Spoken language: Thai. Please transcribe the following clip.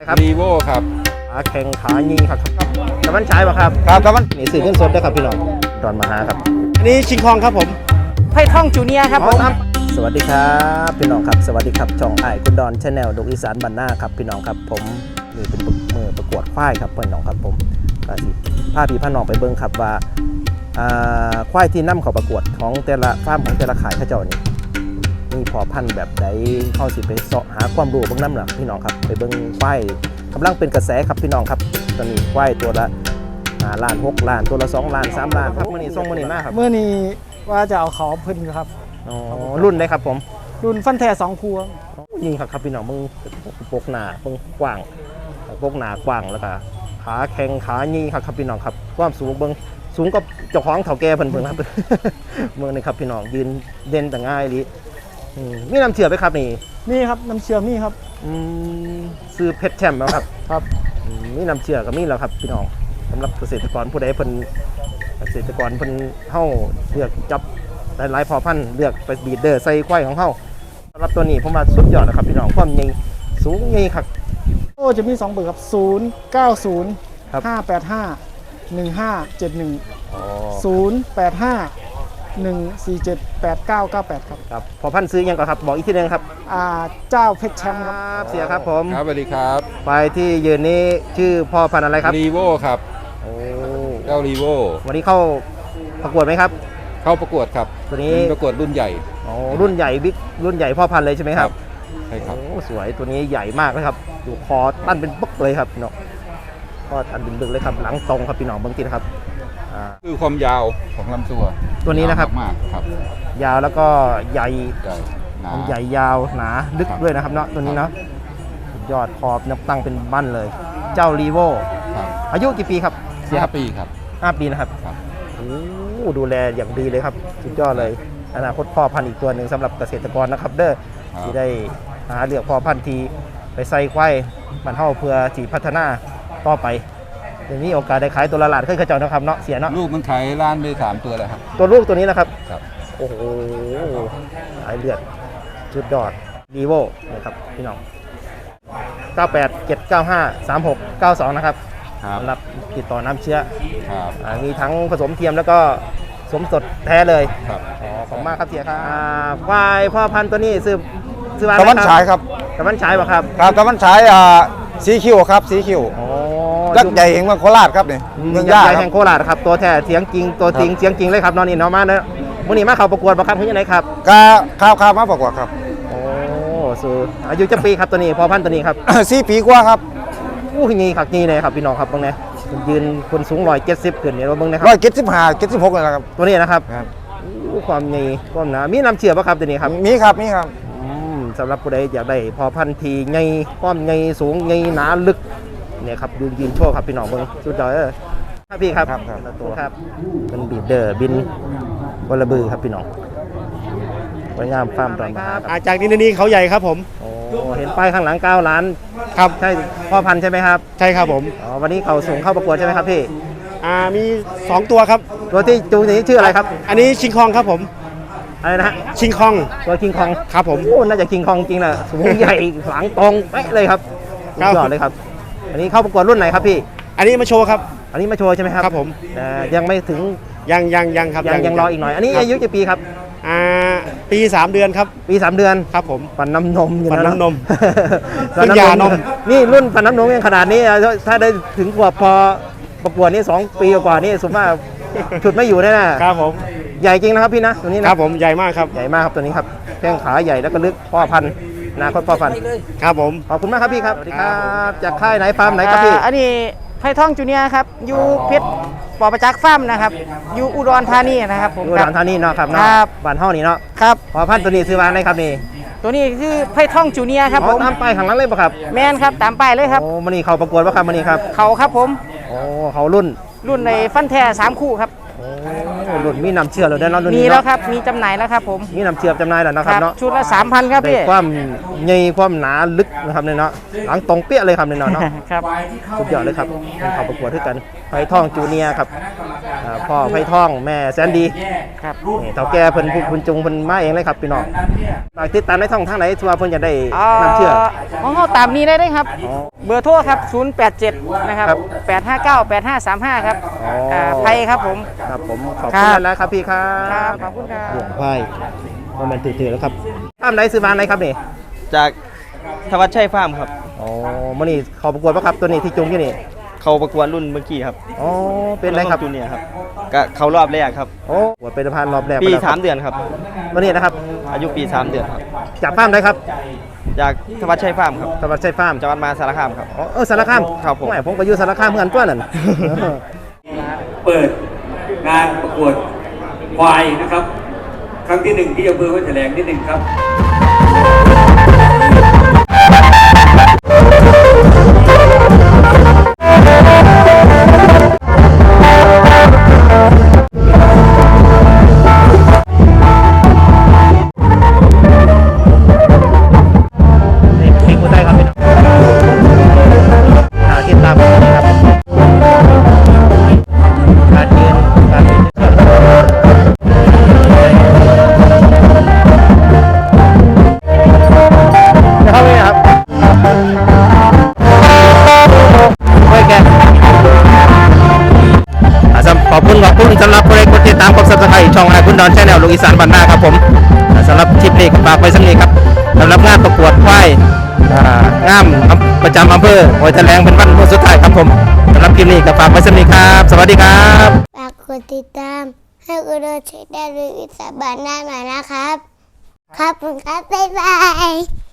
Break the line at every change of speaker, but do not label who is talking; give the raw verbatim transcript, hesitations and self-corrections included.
ครับ
รีโวครับ
ขาแข่งขายิงครับกำมันใช้ป่ะครับ
ครับครับมัน
นี่สื่อเงินสดนะครับพี่น้องดอนมาหาครับ
อันนี้ชิงคองครับผมไพ่ท่องจูเนียครับผม
สวัสดีครับพี่น้องครับสวัสดีครับช่องไอ้คุณดอนชาแนลดกอีสานบรรณาครับพี่น้องครับผมนี่เป็นมือประกวดควายครับพี่น้องครับผมก็สิพาพี่พาน้องไปเบิ่งครับว่าควายที่นำเขาประกวดของแต่ละฟาร์มของแต่ละขายข้าเจ้านี่มีพอพันธุ์แบบใดเข้าสิไปเสาะหาความรู้เบื้องน้ำหนักพี่น้องครับไปเบิ่งควายกำลังเป็นกระแสครับพี่น้องครับตอนนี้ควายตัวละห้าล้านหกล้านตัวละสองล้านสามล้านครับมื่อนี้ส่งมื่อนี้มากครับ
เมื่อนี้ว่าจะเอาเขาเพิ่นครับ
อ๋อรุ่นได้ครับผม
รุ่นฟันแท้สองครัว
ยิงครับครับพี่น้องมึงปกหนามึงกว้างปกหนากว้างแล้วก็ขาแข็งขายี่ครับครับพี่น้องครับความสูงเบิ้งสูงก็เจ้าของเถ่าแก่เพิ่นเพิ่นครับ เมืองนี่ครับพี่น้องยืนเด่นแต่ง่ายดีมีน้ำเชื่อไหมครับนี่
นี่ครับน้ำเชื่อมนี่ครับ
อืมซื้อเพชรแชมป์แล้วครับ
ครับ
มีน้ำเชื่อก็มีแล้วครับพี่น้องสำหรับเกษตรกรผู้ใดเพิ่นเกษตรกรเพิ่นเฮาเลือกจับหลายๆพอพันธุ์เลือกไปบีดเดอร์ใส่ควายของเฮาสำหรับตัวนี้ผมว่าสุดยอดนะครับพี่น้องความใหญ่สูงใหญ่ครับ
โอ้จะมีสองเบอร์ครับศูนย์เก้าศูนย์
ครับ
ห้าแปดห้าหนึ่งห้าเจ็ดหนึ่ง
อ๋อ
ศูนย์แปดห้าหนึ่งสี่เจ็ดแปดเก้าเก้าแปดครับ
ครับพอพันธุ์ซื้อยังก่อนครับบอกอีกทีหนึงครับ
อ่าเจ้าเพชรแชมป์ครับ
เสียครับผม
ครับสวัสดีครับ
ไปที่ยืนนี้ชื่อพ่อพันธุ์อะไรครับ
รีโวครับ
โอ้
เจ้ารีโว
วันนี้เข้าประกวดไหมครับ
เข้าประกวดครับ
ตัวนี้
เป็นประกวดรุ่นใหญ่
อ๋อรุ่นใหญ่บิ๊กรุ่นใหญ่พ่อพันธุ์เลยใช่ไหมครับ
ใช่ครับ
โอ้สวยตัวนี้ใหญ่มากเลยครับดูคอตั้นเป็นปึ๊กเลยครับพี่น้องก็ตันเป็นบึกเลยครับหลังตรงครับพี่น้องเบื้องต้นครับอ่า
คือความยาวของลำตัว
ตัวนี้นะครับ
ยาวมากๆครับ
ยาวแล้วก็ใหญ่
ใหญ่หนา
ใหญ่ยาวหนาลึก
ครับ
ด้วยนะครับเนาะตัวนี้เนาะสุดยอดคอบนับตั้งเป็นบั้นเลย เจ้ารีโว
ครับ
อายุกี่ปีครับเสียค
ห้า
รับ
ปีครับ
ห้าปีนะครับ
ครับ
โอ้ดูแลอย่างดีเลยครับสุดยอดเลยอนาคตพ่อพันธุ์อีกตัวหนึ่งสำหรับเกษตรกรนะครับเด้อ
ครับ
ที่ได้หาเลือกพ่อพันธุ์ทีไปใส่ควายมันเท่าเพื่อจีพัฒนาต่อไปเดี๋ยวนี้โอกาสได้ขายตัวละหลาดขึ้นกระเจ้านะครับเนาะเสียเนาะ
ลูกมันขายล้านไปสามตัวแล้วครับ
ตัวลูกตัวนี้นะครับ
ครับ
โอ้โหสายเลือดสุดยอดดีโวนะครับพี่น้องเก้าแปด เจ็ด เก้า ห้า สาม หก เก้า สองนะครับ
ครับ
สำหรับติดต่อน้ำเชื้อ
ครับ
อ่ามีทั้งผสมเทียมแล้วก็สมสดแท้เลย
ครับ
อ๋อขอบคุณมากครับเสียครับอ่าควายพ่อพันธุ์ตัวนี้ซื้อซื้อมา
ตะวันฉายครับ
ตะวันฉายป่ะครับ
ครับตะวันฉายอ่าสีคิวครับสีคิว
อ๋อ
ยักษ์ใหญ่แห่งเมืองโคราชครับนี่
เมื
เมื
อ
อง ง
ยัก
ย่า
ษ์ใหญ่
ครั
แห่
บ
งโคราชครับตัวแท้เสียงจริงตัวจริงเสียงจริงเลยครับนอนนี่เนาะมาเนอะมื่อนี้มาเขาประกวดป่ะครับคุณยังไงครับ
กาข้าวข้าวมาประกวดครับ
โอ้สูอายุจะปีครับตัวนี้พ่อพันธุ์ตัวนี้ครับ
สี่ปีกว่าครับ
อู้ยนี่ครับนี่เลยครับพี่น้องครับเบิ่งเนี่ยยืนคนสูงร้อยเจ็ดสิบขึ้นเนี่ยเราเบิ่งนะค
ร้อ
รั
ย
บ
เจ็ดสิบห้าเจ็ดสิบหกเลยนะครับ
ตัวนี้นะครับ
ครับ
อู้ความใหญ่ความหนามีน้ำเชื่อป่ะครับตัวนี้ครับ
มีครับมีครับ
อืมสำหรับผู้ใดอยากได้พอพันธุ์ทีใหญ่ความใหญ่สูงใหญ่หนาลึกเนี่ยครับยืนยืนโชว์ครับพี่น้องเบิ่งสุดยอดเออครับพี่ครับ
ครับครับ
ตัวครับเป็นบีดเดอร์บินวอลบือครับพี่น้องสวยงามฟาร์มดอนมาครับ
อาจากนี้นี่เขาใหญ่ครับผม
โอ้เห็นป้ายข้างหลังเก้าล้าน
ครับ
ใช่พ่อพันธุ์ใช่ไหมครับ
ใช่ครับผม
อ๋อวันนี้เขาส่งเข้าประกวดใช่ไหมครับพี่
อ่ามีสองตัวครับ
ตัวที่จูงนี้ชื่ออะไรครับ
อันนี้ชิงคองครับผม
อะไรนะฮะ
ชิงคอง
ตัวคิงคอง
ครับผม
โอ้น่าจะคิงคองจริงนะสูงใหญ่หลังตรงเป๊ะเลยครับสุ
ครั
ด
บ
ยอดเลยครับ อันนี้เข้าประกวดรุ่นไหนครับพี่
อันนี้มาโชว์ครับ
อันนี้มาโชว์ใช่ไหมครับ
ครับผม
แต่ยังไม่ถึง
ยังยังยังครับ
ยังยังรออีกหน่อย อันนี้
ครับ
อายุกี่ปีครับ
อ่าปีสามเดือนครับ
ปีสามเดือน
ครับผม
ปันน้ำนมอยู่
ปั่นน้ำนม
ปัน
เพิ่งหย่านม
นี่รุ่นปันน้ำนมยังขนาดนี้อ่ะถ้าได้ถึงขวบพอประกวดนี่สองปีกว่านี่สมมติว่าฉุดไม่อยู่แน่ๆ
ครับผม
ใหญ่จริงนะครับพี่นะตัวนี้
ค
นะ
รับผมใหญ่มากครับ
ใหญ่มากครับตัวนี้ครับแข้งขาใหญ่แล้วก็ลึกพ่อพันธุ์อนาคตพ่อพันธุ์
ครับผม
ขอบคุณมากครับพี่ครับสวัสดีครับจากค่ายไหนฟาร์มไหนครับพี่
อ่าอันนี้ไผ่ท่องจูเนียร์ครับอยู่เพชรปอประจักษ์ฟาร์มนะครับอยู่อุดรธานีนะครับผม
ดู
ค
ห
รั
ลา
บ
นท่านี่เนาะครับเนาะ
ครับ
บ้านเฮานี่เนาะ
ครับ
พอพันธุ์ตัวนี้ซื้อวางได้ครับนี่
ตัวนี้คือไผ่ท่องจูเนียร์ครับ
อ๋
ผ
อ
ม
ตามป้ายข้างหลังเลยป่ะครับ
แมนครับตามป้ายเลยครับ
โอ้มันนี่เขาประกวดป่ะครับมันนี่ครับ
เขาครับผม
โอ้เขารุ่น
รุ่นในฟันแท้สามคู่ครับ
โอ้รุ่นมีน้ำเชื่อเลยเนาะรุ่น
มี
นี้
แล้ว
เนาะ
ครับมีจำหน่ายแล้วครับผม
มีน้ำเชื่อจำหน่ายแล้วเนาะครับเนาะ
ชุดละสามพันครับ
ได้
พี่
ความใหญ่ความหนาลึกนะครับเนี่ยเนาะหลังตรงเปี้ยเลยครับเนี่ยเนาะเนาะ
ครับ
สุดยอดเลยครับเป็นเขาประกวดด้วยกันไผ่ทองจูเนียร์ครับอ่อ่าพ่อไผ่ทองแม่แสนดี
ครับ
นี่เฒ่าแก่เพิ่นผู้คุณจุงเพิ่นมาเองเลยครับพี่น้องฝากติดตามในช่องทางไหนทัวาเพิ่นจะได้
อ่าน
ำเชื่อ
ของเขาตามนี้ได้เลยครับ
อ๋อ
เบอร์โทรครับ ศูนย์ แปด เจ็ด นะครับ
ครับ
แปด ห้า เก้า แปด ห้า สาม ห้า ครับ
อ๋ออ่
าไพครับผม
ครับผมขอบ
ครั
คุณ
บ
แล้วครับพี่ครั
ครับ
บ
ขอบคุณครับ
เรื่องไพ่ว่ามันตื่นๆแล้วครับฟาร์มไหนซื้อมาไหนครับนี่
จากธวัชชัยฟาร์มครับ
อ๋อมื่อนี้เขาประกวดป่ะครับตัวนี้ที่จุงที่นี่
เขาประกวดรุ่นเมื่อกี้ครับ
อ๋อเป็นไรครับ
จูเนียร์ครับก็เขารอบแรกครับ
โอ้ประกวดเป็นพันรอบแรก
ปี
ไปแล้วค
สา
รับ
มเดือนครับ
วันนี้นะครับ
อายุปีสามเดือนครับ
จากฟาร์มไหนครับ
จากธวัชชัยฟาร์มครับ
จังหวัดชัยฟาร์ม
จังหวัดมหาสารคามครับ
อ๋อเออสารคาม
ครับผม
ไม่ผมไปอยู่สารคามเหมือนกันตัวนั่น
เปิดงานประกวดควายนะครับ ครั้งที่หนึ่งที่อำเภอวัดแถลงที่หนึ่งครับ
นี่เพลงกูได้ครับพี่น้องอ่าติดตามผมนะครับการยืนการยืนเชือกจะเข้าไปครับโอเคอ่าสำขอบคุณขอบคุณสำหรับผู้ใดกดติดตามกดซับสไครต์ช่องไอคุณดอนแชนแนลลูกอีสานบ้านนาครับผมอ่าสำหรับคลิปนี้ก็ฝากไว้สักนิดครับสำหรับงานประกวดควายอ่างามประจำอำเภอหอยแถลงเป็นวันสุดท้ายครับผมสำหรับคลิปนี้ก็ฝากไว้สักนิดครับ สวัสดีครับ
ฝากกดติดตามให้อุดรเช็คได้เลยอิสระบานหน้าหน่อยนะครับ ครับคุณครับ บ๊ายบาย